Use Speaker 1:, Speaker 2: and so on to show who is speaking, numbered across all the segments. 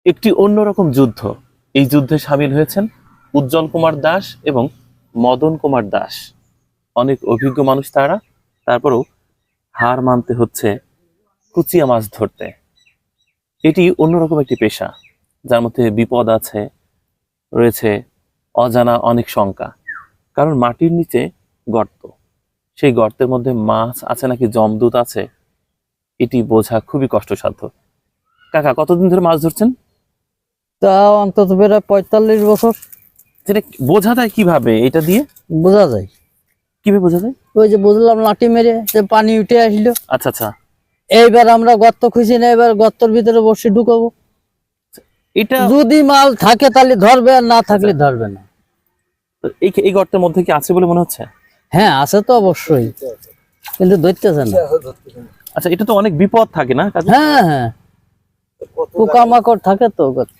Speaker 1: একটি অন্যরকম যুদ্ধ। এই যুদ্ধে সামিল হয়েছেন উজ্জ্বল কুমার দাস এবং মদন কুমার দাস। অনেক অভিজ্ঞ মানুষ তারা, তারপরেও হার মানতে হচ্ছে কুচিয়া মাছ ধরতে। এটি অন্যরকম একটি পেশা, যার মধ্যে বিপদ আছে, রয়েছে অজানা অনেক শঙ্কা। কারণ মাটির নিচে গর্ত, সেই গর্তের মধ্যে মাছ আছে নাকি যমদূত আছে, এটি বোঝা খুবই কষ্টসাধ্য। কাকা, কতদিন ধরে মাছ ধরছেন?
Speaker 2: তা অন্তত প্রায় 45 বছর।
Speaker 1: সেটা বোঝা যায় কিভাবে? এটা দিয়ে
Speaker 2: বোঝা যায়,
Speaker 1: কিভাবে বোঝা যায়?
Speaker 2: ওই যে বুঝলাম লাঠি মেরে যে পানি উঠে আসলো।
Speaker 1: আচ্ছা আচ্ছা,
Speaker 2: এইবার আমরা গর্ত খুঁজি না, এবার গর্তের ভিতরে বসে ঢুকাবো।
Speaker 1: এটা
Speaker 2: যদি মাল থাকে তাহলে ধরবে, আর না থাকলে ধরবে না।
Speaker 1: এই গর্তের মধ্যে কি আছে বলে মনে হচ্ছে?
Speaker 2: হ্যাঁ আছে তো অবশ্যই, কিন্তু ধরতেছে না।
Speaker 1: আচ্ছা, এটা তো অনেক বিপদ থাকে না কাজে?
Speaker 2: হ্যাঁ হ্যাঁ, পোকামাকড় থাকে তো গর্তে।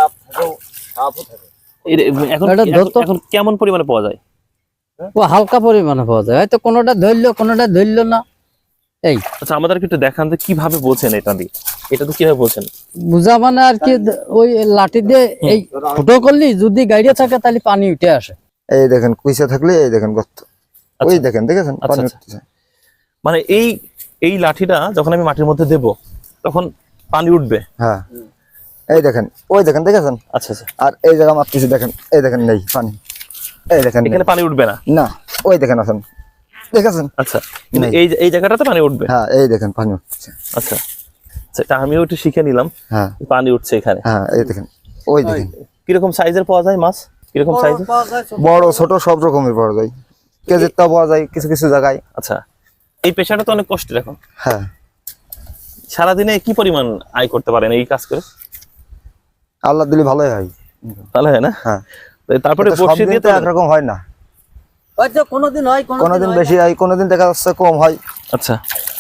Speaker 1: এখন
Speaker 2: এটা ধরতো।
Speaker 1: এখন কেমন পরিমাণে পাওয়া যায়?
Speaker 2: ও হালকা পরিমাণে পাওয়া যায়, হয়তো কোনোটা ধরলো কোনোটা ধরলো না। এই
Speaker 1: আচ্ছা, আমাদেরকে একটু দেখান যে কিভাবে বলছেন এটা দিয়ে, এটা তো কিভাবে বলছেন?
Speaker 2: বুঝা মানে আর কি, ওই লাঠি দিয়ে এই ফুটো করলি যদি গাড়ি থাকে তাহলে পানি উঠে আসে।
Speaker 3: এই দেখেন কুইসা থাকলে এই দেখেন গর্ত, ওই দেখেন, দেখেছেন
Speaker 1: আচ্ছা,
Speaker 3: পানি
Speaker 1: আচ্ছা।
Speaker 3: উঠতেছে।
Speaker 1: মানে এই লাঠিটা যখন আমি মাটির মধ্যে দেব তখন পানি উঠবে?
Speaker 3: হ্যাঁ, এই দেখেন, ওই দেখেন, দেখেছেন?
Speaker 1: আচ্ছা আচ্ছা,
Speaker 3: আর এই জায়গা মারতেছি, দেখেন, এই দেখেন নেই পানি, এই দেখেন নেই।
Speaker 1: এখানে পানি উঠবে না?
Speaker 3: না, ওই দেখেন আছেন, দেখেছেন?
Speaker 1: আচ্ছা, কিন্তু
Speaker 3: নেই।
Speaker 1: এই জায়গাটাতে পানি উঠবে?
Speaker 3: হ্যাঁ, এই দেখেন পানি উঠতেছে।
Speaker 1: আচ্ছা, সেটা আমিও একটু শিখে নিলাম।
Speaker 3: হ্যাঁ
Speaker 1: পানি উঠছে এখানে।
Speaker 3: হ্যাঁ, এই দেখেন, ওই দেখেন।
Speaker 1: কিরকম সাইজের পাওয়া যায় মাছ? কিরকম সাইজের?
Speaker 3: বড় ছোট সব রকমের পাওয়া যায়, কেজির তা পাওয়া যায় কিছু কিছু জায়গায়।
Speaker 1: আচ্ছা, এই পেশাটা তো অনেক কষ্টের। এখন
Speaker 3: হ্যাঁ,
Speaker 1: সারাদিনে কি পরিমাণ আয় করতে পারেন এই কাজ করে?
Speaker 3: আল্লাহ দিলে ভালোই হয়।
Speaker 1: ভালো হয় না?
Speaker 3: হ্যাঁ,
Speaker 1: তারপরে
Speaker 3: এটা সব
Speaker 1: বসে
Speaker 3: দিন
Speaker 1: দিয়ে
Speaker 3: তো একরকম হয় না,
Speaker 2: হয়তো কোনোদিন হয়,
Speaker 3: কোনোদিন বেশি হয়, কোনোদিন দেখা যাচ্ছে কম হয়।
Speaker 1: আচ্ছা,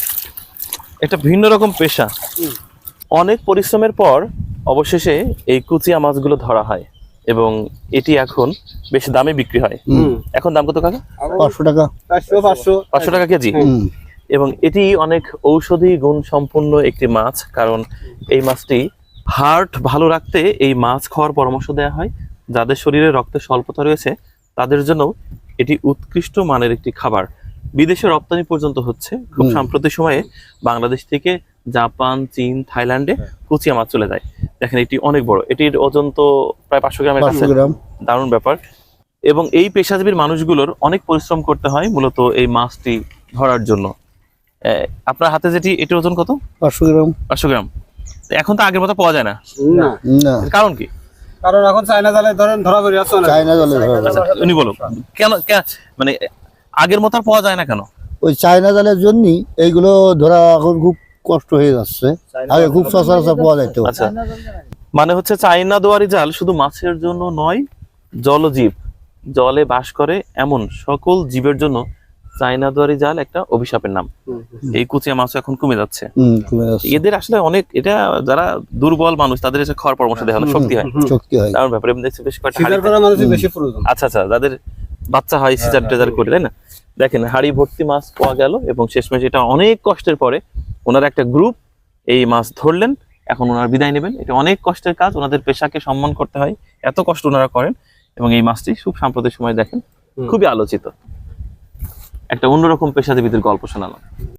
Speaker 1: একটা ভিন্ন রকম পেশা। অনেক পরিশ্রমের পর অবশেষে এই কুচিয়া মাছগুলো ধরা হয় এবং এটি এখন বেশ দামে বিক্রি হয়। এখন দাম কত কাকা?
Speaker 2: 500 টাকা।
Speaker 1: 500 টাকা কেজি। এবং এটি অনেক ঔষধি গুণ সম্পন্ন একটি মাছ, কারণ এই মাছটি হার্ট ভালো রাখতে এই মাছ খাওয়ার পরামর্শ দেওয়া হয়। যাদের শরীরে রক্তের স্বল্পতা রয়েছে তাদের জন্য এটি উৎকৃষ্ট মানের একটি খাবার। বিদেশে রপ্তানি পর্যন্ত হচ্ছে। খুব সাম্প্রতিক সময়ে বাংলাদেশ থেকে জাপান, চীন, থাইল্যান্ডে কুচিয়া মাছ চলে যায়। দেখেন, এটি অনেক বড়, এটির ওজন তো প্রায় 500 গ্রামের কাছে। দারুণ ব্যাপার। এবং এই পেশাজীবীর মানুষগুলোর অনেক পরিশ্রম করতে হয় মূলত এই মাছটি ধরার জন্য। আপনার হাতে যেটি, এটির ওজন কত?
Speaker 2: 500 গ্রাম।
Speaker 1: 500 গ্রাম। এখন তো আগের মতো পাওয়া যায় না,
Speaker 2: না,
Speaker 1: কারণ কি?
Speaker 4: কারণ এখন চায়না জালে ধরেন ধরা পড়ে যাচ্ছে না।
Speaker 2: চায়না জালে ধরা।
Speaker 1: আচ্ছা, উনি বলো মানে আগের মতো আর পাওয়া যায় না কেন?
Speaker 5: ওই চায়না জালের জন্যই এইগুলো ধরা এখন খুব কষ্ট হয়ে যাচ্ছে। আগে খুব সচরাচর পাওয়া যাইতো।
Speaker 1: আচ্ছা, মানে হচ্ছে চাইনা দুয়ারি জাল শুধু মাছের জন্য নয়, জলজীব, জলে বাস করে এমন সকল জীবের জন্য চাইনা দুয়ারি জাল একটা অভিশাপের নাম। এই কুচিয়া মাছ এখন কমে যাচ্ছে।
Speaker 5: কমে যাচ্ছে।
Speaker 1: এদের আসলে অনেক, এটা যারা দুর্বল মানুষ তাদের এসে খাওয়ার পরামর্শ দেওয়া হলো, শক্তি হয়।
Speaker 5: শক্তি হয়।
Speaker 1: তার ব্যাপারে আমি দেখছি বেশ কয়েকটা
Speaker 4: শিকার করা মানুষের বেশি প্রয়োজন।
Speaker 1: আচ্ছা আচ্ছা, যাদের বাচ্চা হয় সিজার টেজার করে, তাই না? দেখেন, হাড়ি ভর্তি মাছ পাওয়া গেল এবং শেষমেশ এটা অনেক কষ্টের পরে ওনারা একটা গ্রুপ এই মাছ ধরলেন। এখন ওনারা বিদায় নেবেন। এটা অনেক কষ্টের কাজ, ওনাদের পেশাকে সম্মান করতে হয়, এত কষ্ট ওনারা করেন। এবং এই মাছটি খুব সাম্প্রতিক সময় দেখেন খুবই আলোচিত। একটা অন্যরকম পেশাজীবীদের গল্প শোনালাম।